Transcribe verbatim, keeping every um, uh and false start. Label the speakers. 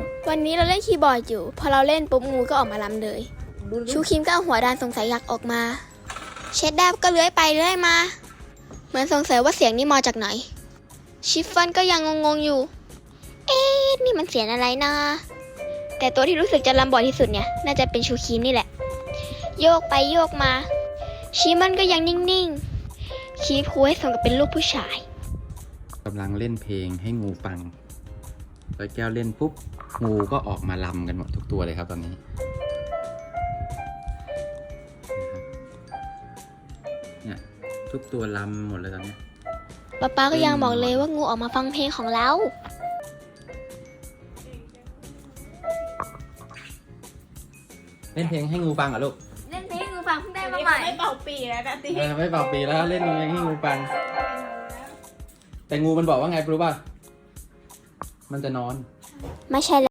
Speaker 1: วันนี้เราเล่นคีย์บอร์ดอยู่พอเราเล่นปุ๊บงูก็ออกมาลำเลยชูคิมก็เอาหัวดานสงสัยอยากออกมาเชดแดบก็เลื้อยไปเลื้อยมาเหมือนสงสัยว่าเสียงนี่มาจากไหนชิฟฟอนก็ยังงงๆอยู่เอ๊ะนี่มันเสียงอะไรนะแต่ตัวที่รู้สึกจะลำบ่อยที่สุดเนี่ยน่าจะเป็นชูคิมนี่แหละโยกไปโยกมาชิมันก็ยังนิ่งๆชี้พูให้สมกับเป็นลูกผู้ชาย
Speaker 2: กำลังเล่นเพลงให้งูฟังร้อยแก้วเล่นปุ๊บงูก็ออกมาลำกันหมดทุกตัวเลยครับตอนนี้เนี่ยทุกตัวลำหมดเลยตอนนี้
Speaker 1: ป๊าป๊าก็ยังบอกเลยว่างูออกมาฟังเพลงของเรา
Speaker 2: เล่นเพลงให้งูฟังเหรอลูก
Speaker 1: เล่นเพลงให้งูฟังเพิ่งได้มาใหม่
Speaker 3: ไม่เป่าปีแล้วนะตี
Speaker 2: เออไม่เป่าปีแล้วเล่นเพลงให้งูฟังแต่งูมันบอกว่าไงรู้ป่ะมันจะนอน
Speaker 1: ไม่ใช่